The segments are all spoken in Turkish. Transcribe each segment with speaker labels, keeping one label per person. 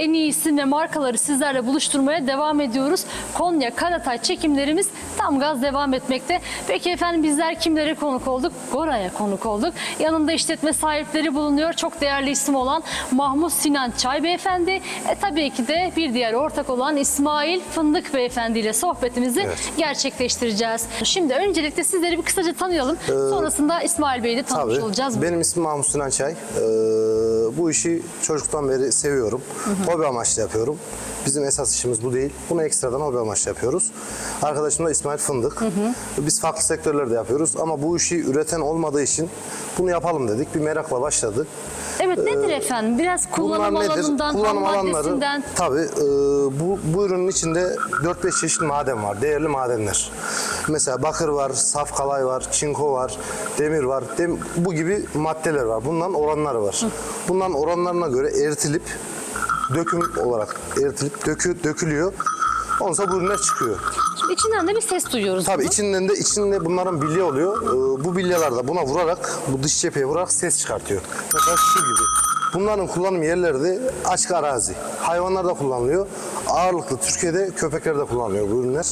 Speaker 1: en iyi isim ve markaları sizlerle buluşturmaya devam ediyoruz. Konya Karatay çekimlerimiz tam gaz devam etmekte. Peki efendim bizler kimlere konuk olduk? Gora'ya konuk olduk. Yanında işletme sahipleri bulunuyor. Çok değerli isim olan Mahmut Sinan Çay Beyefendi. Tabii ki de bir diğer ortak olan İsmail Fındık Beyefendi ile sohbetimizi gerçekleştireceğiz. Şimdi öncelikle sizleri bir kısaca tanıyalım. Sonrasında İsmail Bey'i de tanımış olacağız.
Speaker 2: Benim ismim Mahmut Sinan Çay. Bu işi çocuktan beri seviyorum. Hobi amaçlı yapıyorum. Bizim esas işimiz bu değil. Bunu ekstradan hobi amaçlı yapıyoruz. Arkadaşım da İsmail Fındık. Biz farklı sektörlerde yapıyoruz ama bu işi üreten olmadığı için bunu yapalım dedik. Bir merakla başladı.
Speaker 1: Evet, nedir efendim? Biraz kullanım alanından, ham maddesinden.
Speaker 2: Tabii bu ürünün içinde 4-5 çeşit maden var. Değerli madenler. Mesela bakır var, saf kalay var, çinko var, demir var. Bu gibi maddeler var. Bunların oranları var. Bunların oranlarına göre eritilip döküm olarak eritilip dökülüyor. Ondan sonra bu ürünler çıkıyor.
Speaker 1: Şimdi içinden de bir ses duyuyoruz.
Speaker 2: Tabii içinde bunların bilye oluyor. Bu bilyeler de buna vurarak, bu dış cepheye vurarak ses çıkartıyor. Mesela şu gibi. Bunların kullanım yerleri de açık arazi. Hayvanlarda kullanılıyor. Ağırlıklı Türkiye'de köpeklerde kullanılıyor bu ürünler.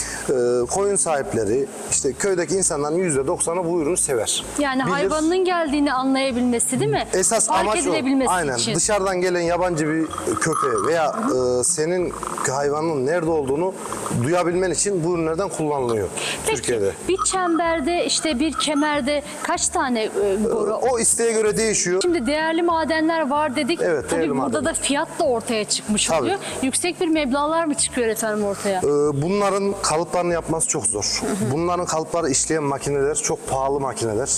Speaker 2: Koyun sahipleri, işte köydeki insanların %90'ı bu ürünü sever.
Speaker 1: Yani hayvanın geldiğini anlayabilmesi değil mi?
Speaker 2: Esas
Speaker 1: Fark
Speaker 2: amaç o.
Speaker 1: edilebilmesi
Speaker 2: Aynen.
Speaker 1: için.
Speaker 2: Dışarıdan gelen yabancı bir köpeğe veya senin hayvanın nerede olduğunu duyabilmen için bu ürünlerden kullanılıyor Türkiye'de.
Speaker 1: Bir çemberde, işte bir kemerde kaç tane boru?
Speaker 2: O isteğe göre değişiyor.
Speaker 1: Şimdi değerli madenler var dedik.
Speaker 2: Evet,
Speaker 1: tabii
Speaker 2: değerli
Speaker 1: burada
Speaker 2: madenler.
Speaker 1: da fiyat da ortaya çıkmış oluyor. Yüksek bir meblağlar mı çıkıyor efendim ortaya?
Speaker 2: Bunların kalıplarını yapması çok zor. Bunların kalıpları işleyen makineler çok pahalı makineler.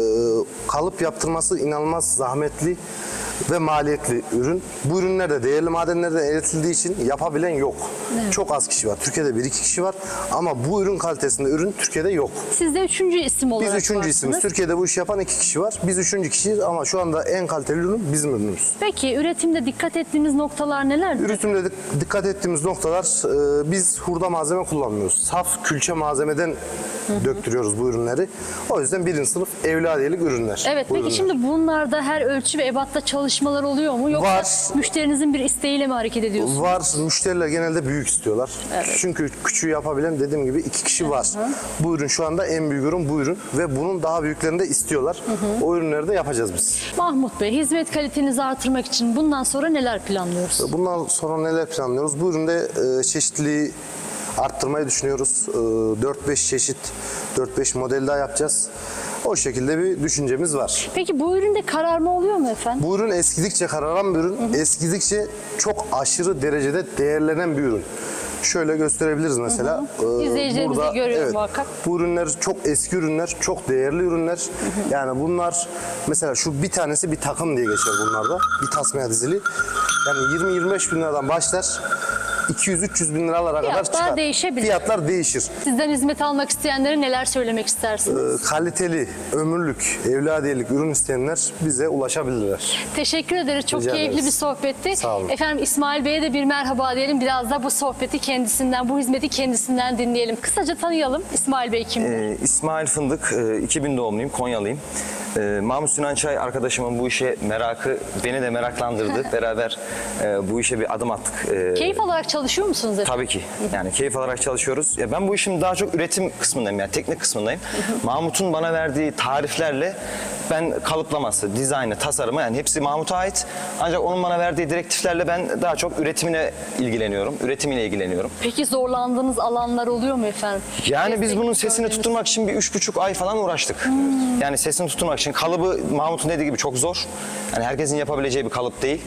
Speaker 2: Kalıp yaptırması inanılmaz zahmetli ve maliyetli ürün. Bu ürünler de değerli madenlerden eritildiği için yapabilen yok.
Speaker 1: Evet.
Speaker 2: Çok az kişi var. Türkiye'de 1-2 kişi var ama bu ürün kalitesinde ürün Türkiye'de yok.
Speaker 1: Siz de üçüncü isim olarak
Speaker 2: Biz üçüncü isimiz. Türkiye'de bu işi yapan 2 kişi var. Biz üçüncü kişiyiz ama şu anda en kaliteli ürün bizim ürünümüz.
Speaker 1: Peki üretimde dikkat ettiğiniz noktalar nelerdir?
Speaker 2: Üretimde dikkat ettiğimiz noktalar, biz hurda malzeme kullanmıyoruz. Saf külçe malzemeden döktürüyoruz bu ürünleri. O yüzden birinci sınıf evladiyelik ürünler.
Speaker 1: Evet,
Speaker 2: bu
Speaker 1: peki
Speaker 2: ürünler.
Speaker 1: şimdi bunlarda her ölçü ve ebatta çalışmalar oluyor mu? Yoksa
Speaker 2: Var.
Speaker 1: müşterinizin bir isteğiyle mi hareket ediyorsunuz?
Speaker 2: Var. Müşteriler genelde büyük istiyorlar. Çünkü küçüğü yapabilen dediğim gibi 2 kişi var. Bu ürün şu anda en büyük ürün bu ürün ve bunun daha büyüklerini de istiyorlar. O ürünleri de yapacağız biz.
Speaker 1: Mahmut Bey, hizmet kalitenizi artırmak için bundan sonra neler planlıyoruz?
Speaker 2: Bundan sonra neler planlıyoruz? Bu üründe çeşitliliği arttırmayı düşünüyoruz. 4-5 çeşit, 4-5 model daha yapacağız. O şekilde bir düşüncemiz var.
Speaker 1: Peki bu üründe kararma oluyor mu efendim?
Speaker 2: Bu ürün eskidikçe kararan bir ürün, eskidikçe çok aşırı derecede değerlenen bir ürün. Şöyle gösterebiliriz mesela.
Speaker 1: İzleyicilerimiz de görüyor muhakkak.
Speaker 2: Bu ürünler çok eski ürünler, çok değerli ürünler. Yani bunlar mesela şu bir tanesi bir takım diye geçer bunlarda. Bir tasmaya dizili. Yani 20-25 bin liradan başlar. 200-300 bin liralara kadar çıkar.
Speaker 1: Değişebilir.
Speaker 2: Fiyatlar değişir.
Speaker 1: Sizden hizmet almak isteyenlere neler söylemek istersiniz?
Speaker 2: Kaliteli, ömürlük, evladiyelik ürün isteyenler bize ulaşabilirler.
Speaker 1: Teşekkür ederiz. Çok
Speaker 2: Rica
Speaker 1: keyifli
Speaker 2: ederiz.
Speaker 1: bir sohbetti.
Speaker 2: Sağ olun.
Speaker 1: Efendim İsmail Bey'e de bir merhaba diyelim. Biraz da bu sohbeti kendisinden, bu hizmeti kendisinden dinleyelim. Kısaca tanıyalım. İsmail Bey kimdir?
Speaker 3: İsmail Fındık, 2000 doğumluyum, Konyalıyım. Mahmut Sinan Çay arkadaşımın bu işe merakı beni de meraklandırdı. Beraber bu işe bir adım attık.
Speaker 1: Keyif alarak çalışıyor musunuz efendim?
Speaker 3: Tabii ki. Yani keyif alarak çalışıyoruz. Ya ben bu işin daha çok üretim kısmındayım, yani teknik kısmındayım. Mahmut'un bana verdiği tariflerle ben kalıplaması, dizaynı, tasarımı yani hepsi Mahmut'a ait. Ancak onun bana verdiği direktiflerle ben daha çok üretimine ilgileniyorum, üretimiyle ilgileniyorum.
Speaker 1: Peki zorlandığınız alanlar oluyor mu efendim?
Speaker 3: Yani biz bunun sesini
Speaker 1: gördüğünüz.
Speaker 3: tutturmak için bir 3,5 ay falan uğraştık. Yani sesini tutturmak için kalıbı Mahmut'un dediği gibi çok zor. Yani herkesin yapabileceği bir kalıp değil.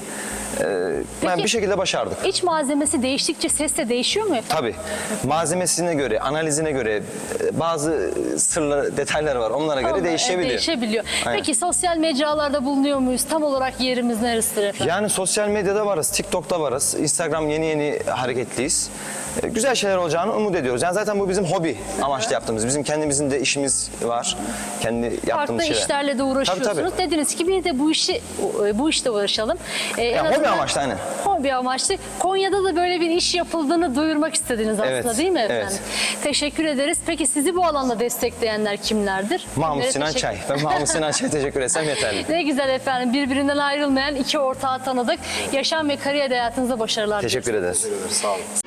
Speaker 3: Ben bir şekilde başardık.
Speaker 1: İç malzemesi değiştikçe ses de değişiyor mu efendim?
Speaker 3: Tabii. Malzemesine göre, analizine göre bazı sırlı detaylar var. Onlara göre değişebiliyor.
Speaker 1: Değişebiliyor.
Speaker 3: Aynen.
Speaker 1: Peki sosyal mecralarda bulunuyor muyuz? Tam olarak yerimiz neresidir efendim?
Speaker 3: Yani sosyal medyada varız, TikTok'ta varız. Instagram yeni hareketliyiz. Güzel şeyler olacağını umut ediyoruz. Yani zaten bu bizim hobi amaçlı yaptığımız. Bizim kendimizin de işimiz var. Kendi yaptığımız
Speaker 1: Farklı
Speaker 3: şeyler.
Speaker 1: işlerle de uğraşıyorsunuz.
Speaker 3: Tabii.
Speaker 1: Dediniz ki bir de bu işle uğraşalım. En
Speaker 3: Yani
Speaker 1: azından
Speaker 3: Hobi amaçlı aynen.
Speaker 1: Hobi amaçlı. Konya'da da böyle bir iş yapıldığını duyurmak istediniz aslında
Speaker 3: Evet,
Speaker 1: değil mi
Speaker 3: evet.
Speaker 1: efendim? Teşekkür ederiz. Peki sizi bu alanda destekleyenler kimlerdir?
Speaker 3: Mahmut
Speaker 1: Kimlere
Speaker 3: Sinan
Speaker 1: teşekkür-
Speaker 3: Çay. Ben Mahmut Sinan Çay'a teşekkür etsem yeterli.
Speaker 1: Ne güzel efendim. Birbirinden ayrılmayan iki ortağı tanıdık. Yaşam ve kariyer hayatınıza başarılar diliyoruz.
Speaker 3: Teşekkür ederiz.
Speaker 2: Sağ olun.